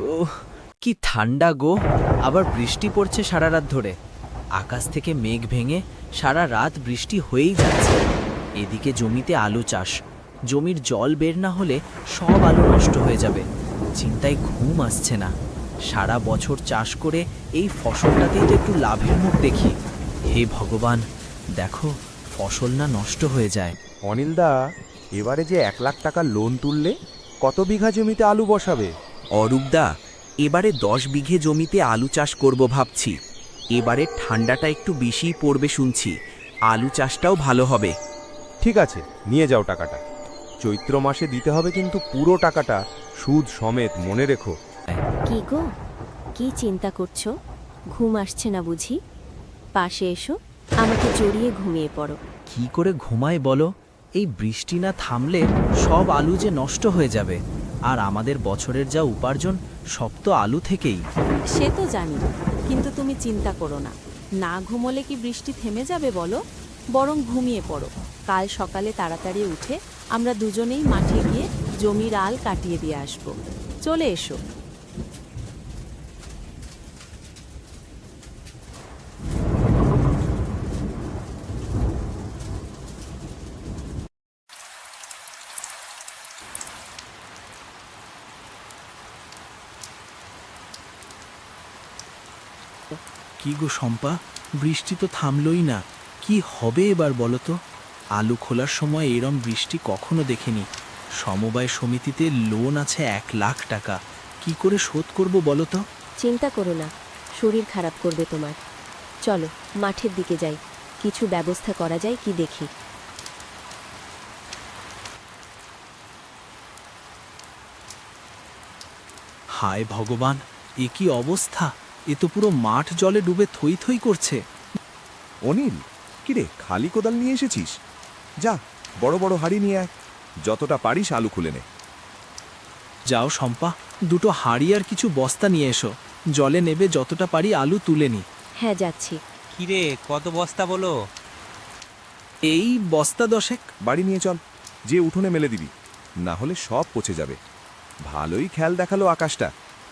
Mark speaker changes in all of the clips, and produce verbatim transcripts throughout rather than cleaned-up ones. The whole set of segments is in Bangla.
Speaker 1: ওহ, কি ঠান্ডা গো। আবার বৃষ্টি পড়ছে সারা রাত ধরে। আকাশ থেকে মেঘ ভেঙে সারা রাত বৃষ্টি হয়েই যাচ্ছে। এদিকে জমিতে আলু চাষ। জমির জল বের না হলে সব আলু নষ্ট হয়ে যাবে। চিন্তায় ঘুম আসছে না। সারা বছর চাষ করে এই ফসলটাতেই তো একটু লাভের মুখ দেখি। হে ভগবান, দেখো ফসল না নষ্ট হয়ে যায়।
Speaker 2: অনিলদা, এবারে যে এক লাখ টাকা লোন তুললে, কত বিঘা জমিতে আলু বসাবে?
Speaker 3: অরূপদা, এবারে দশ বিঘে জমিতে আলু চাষ করব ভাবছি। এবারে ঠান্ডাটা একটু বেশিই পড়বে শুনছি। আলু চাষটাও ভালো হবে।
Speaker 2: ঠিক আছে, নিয়ে যাও টাকাটা। চৈত্র মাসে দিতে হবে কিন্তু পুরো টাকাটা, সুদ সমেত, মনে রেখো।
Speaker 4: কি গো, কি চিন্তা করছো? ঘুম আসছে না বুঝি? পাশে এসো, আমাকে জড়িয়ে ঘুমিয়ে পড়ো।
Speaker 1: কি করে ঘুমায় বলো? এই বৃষ্টি না থামলে সব আলু যে নষ্ট হয়ে যাবে। আর আমাদের বছরের যা উপার্জন সব তো আলু থেকেই।
Speaker 4: সে তো জানি, কিন্তু তুমি চিন্তা করো না। না ঘুমোলে কি বৃষ্টি থেমে যাবে বলো? বরং ঘুমিয়ে পড়ো। কাল সকালে তাড়াতাড়ি উঠে আমরা দুজনেই মাঠে গিয়ে জমির আল কাটিয়ে দিয়ে আসব। চলে এসো।
Speaker 1: কি গো শম্পা, বৃষ্টি তো থামলই না। কি হবে এবার বলো তো? আলু খোলার সময় এরম বৃষ্টি কখনো দেখিনি। সমবায় সমিতিতে লোন আছে এক লাখ টাকা। কি করে শোধ করব বলো তো?
Speaker 4: চিন্তা করো না, শরীর খারাপ করবে তোমার। চলো মাঠের দিকে যাই, কিছু ব্যবস্থা করা যায় কি দেখি।
Speaker 1: হায় ভগবান, এ কি অবস্থা! এ তো পুরো মাঠ জলে ডুবে থই থই করছে।
Speaker 2: অনিল, কিরে, খালি কোদাল নিয়ে এসেছিস? যা, বড় বড় হাড়ি নিয়ে আয়। যতটা পারিস আলু খুলে নে।
Speaker 1: যাও শম্পা, দুটো হাঁড়ি আর কিছু বস্তা নিয়ে এসো। জলে নেবে যতটা পারি আলু তুলে নি।
Speaker 4: হ্যাঁ যাচ্ছি।
Speaker 5: কিরে, কত বস্তা বলো?
Speaker 1: এই বস্তা দশেক।
Speaker 2: বাড়ি নিয়ে চল, যে উঠোনে মেলে দিবি, না হলে সব পচে যাবে। ভালোই খেয়াল দেখালো আকাশটা।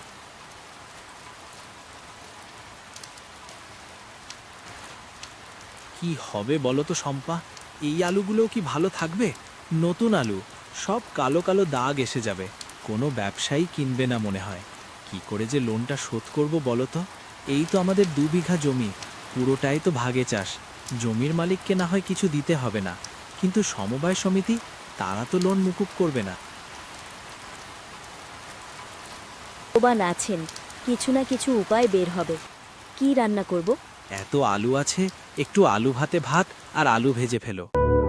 Speaker 1: কি হবে বলো তো শম্পা? এই আলুগুলোও কি ভালো থাকবে? নতুন আলু, সব কালো কালো দাগ এসে যাবে। কোনো ব্যবসায়ী কিনবে না মনে হয়। কি করে যে লোনটা শোধ করব বলো তো? এই তো আমাদের দু বিঘা জমি, পুরোটাই তো ভাগে চাষ। জমির মালিককে না হয় কিছু দিতে হবে না, কিন্তু সমবায় সমিতি, তারা তো লোন মুকুব করবে না।
Speaker 4: ভগবান আছেন, কিছু না কিছু উপায় বের হবে। কি রান্না করব?
Speaker 1: এত আলু আছে, একটু আলু ভাতে ভাত আর আলু ভেজে ফেলো।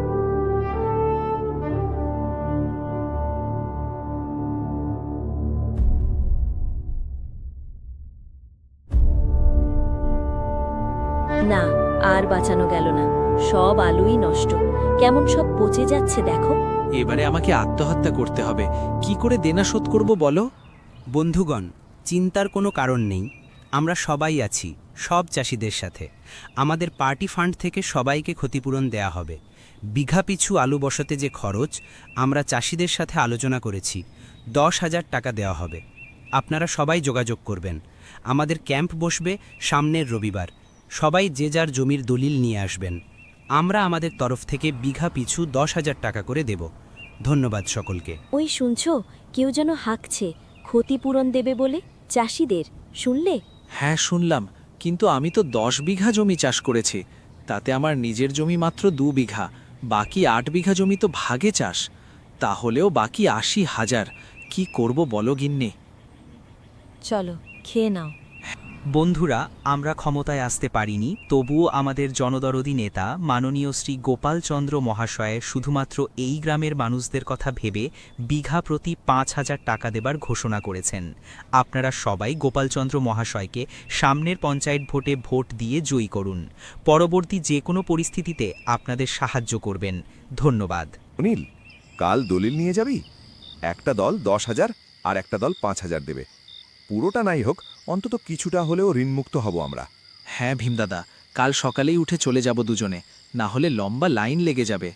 Speaker 4: না, আর বাঁচানো গেল না। সব আলুই নষ্ট, কেমন সব পচে যাচ্ছে দেখো।
Speaker 1: এবারে আমাকে আত্মহত্যা করতে হবে। কি করে দেনা শোধ করব বলো?
Speaker 3: বন্ধুগণ, চিন্তার কোনো কারণ নেই। আমরা সবাই আছি, সব চাষিদের সাথে। আমাদের পার্টি ফান্ড থেকে সবাইকে ক্ষতিপূরণ দেয়া হবে। বিঘা পিছু আলু বসাতে যে খরচ, আমরা চাষিদের সাথে আলোচনা করেছি, দশ হাজার টাকা দেওয়া হবে। আপনারা সবাই যোগাযোগ করবেন। আমাদের ক্যাম্প বসবে সামনের রবিবার। সবাই যে যার জমির দলিল নিয়ে আসবেন। আমরা আমাদের তরফ থেকে বিঘা পিছু দশ হাজার টাকা করে দেব। ধন্যবাদ সকলকে।
Speaker 4: ওই শুনছো, কেউ যেন হাঁকছে ক্ষতিপূরণ দেবে বলে চাষিদের, শুনলে?
Speaker 1: হ্যাঁ শুনলাম, কিন্তু আমি তো দশ বিঘা জমি চাষ করেছি। তাতে আমার নিজের জমি মাত্র দু বিঘা, বাকি আট বিঘা জমি তো ভাগে চাষ। তাহলেও বাকি আশি হাজার। কি করব বলো গিন্নি?
Speaker 4: চলো খেয়ে নাও।
Speaker 5: বন্ধুরা, আমরা ক্ষমতায় আসতে পারিনি, তবুও আমাদের জনদরদী নেতা মাননীয় শ্রী গোপালচন্দ্র মহাশয় শুধুমাত্র এই গ্রামের মানুষদের কথা ভেবে বিঘা প্রতি পাঁচ হাজার টাকা দেবার ঘোষণা করেছেন। আপনারা সবাই গোপালচন্দ্র মহাশয়কে সামনের পঞ্চায়েত ভোটে ভোট দিয়ে জয়ী করুন। পরবর্তী যে কোনো পরিস্থিতিতে আপনাদের সাহায্য করবেন। ধন্যবাদ।
Speaker 2: অনিল, কাল দলিল নিয়ে যাবি? একটা দল দশ হাজার আর একটা দল পাঁচ হাজার দেবে। পুরোটা নাই হোক, অন্তত কিছুটা হলেও ঋণমুক্ত হব আমরা।
Speaker 1: হ্যাঁ ভীমদাদা, কাল সকালেই উঠে চলে যাব দুজনে, না হলে লম্বা লাইন লেগে যাবে।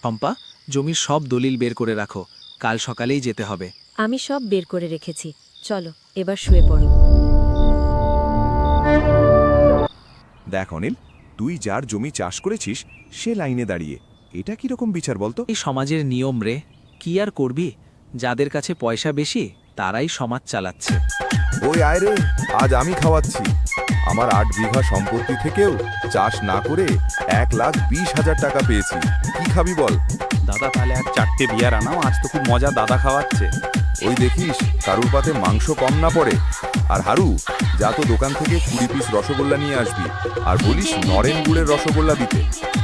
Speaker 1: শম্পা, জমির সব দলিল বের করে রাখো, কাল সকালেই যেতে হবে।
Speaker 6: আমি সব বের করে রেখেছি, চলো এবার শুয়ে পড়ো।
Speaker 2: দেখ অনিল, তুই যার জমি চাষ করেছিস সে লাইনে দাঁড়িয়ে, এটা কিরকম বিচার বলতো?
Speaker 1: এই সমাজের নিয়ম রে, কি আর করবি? যাদের কাছে পয়সা বেশি তারাই সমাজ চালাচ্ছে।
Speaker 2: ওই আয় রে, আজ আমি খাওয়াচ্ছি। আমার আট বিঘা সম্পত্তি থেকেও চাষ না করে এক লাখ বিশ হাজার টাকা পেয়েছি। কি খাবি বল?
Speaker 7: দাদা তাহলে আর চারটে বিয়ার আনাও, আজ তো খুব মজা দাদা খাওয়াচ্ছে।
Speaker 2: ওই দেখিস কারুর পাতে মাংস কম না পড়ে। আর হারু, যা তো দোকান থেকে কুড়ি পিস রসগোল্লা নিয়ে আসবি, আর বলিস নরেন গুড়ের রসগোল্লা দিতে।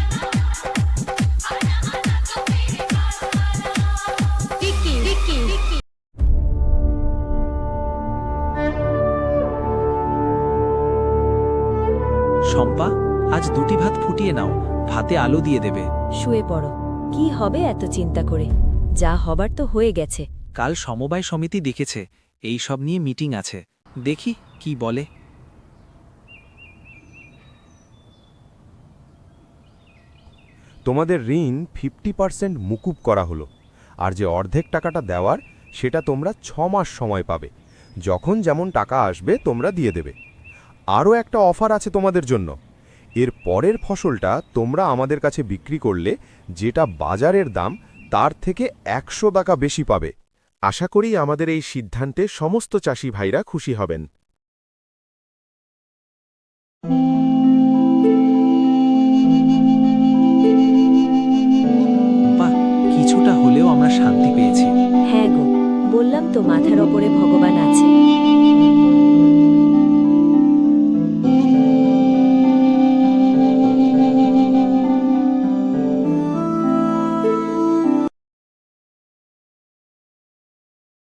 Speaker 1: শম্পা, আজ দুটি ভাত ফুটিয়ে নাও, ভাতে আলু দিয়ে দেবে।
Speaker 6: শুয়ে পড়ো, কি হবে এত চিন্তা করে? যা হবার তো হয়ে গেছে।
Speaker 1: কাল সমবায় সমিতি দেখেছে, এই সব নিয়ে মিটিং আছে, দেখি কি বলে।
Speaker 8: তোমাদের ঋণ ফিফটি পার্সেন্ট মুকুব করা হলো, আর যে অর্ধেক টাকাটা দেওয়ার সেটা তোমরা ছ মাস সময় পাবে। যখন যেমন টাকা আসবে তোমরা দিয়ে দেবে। আরও একটা অফার আছে তোমাদের জন্য। এর পরের ফসলটা তোমরা আমাদের কাছে বিক্রি করলে যেটা বাজারের দাম তার থেকে একশো টাকা বেশি পাবে। আশা করি আমাদের এই সিদ্ধান্তে সমস্ত চাষি ভাইরা খুশি হবেন।
Speaker 1: শম্পা, কিছুটা হলেও আমরা শান্তি পেয়েছি।
Speaker 6: হ্যাঁ গো, বললাম তো মাথার ওপরে ভগবান আছে।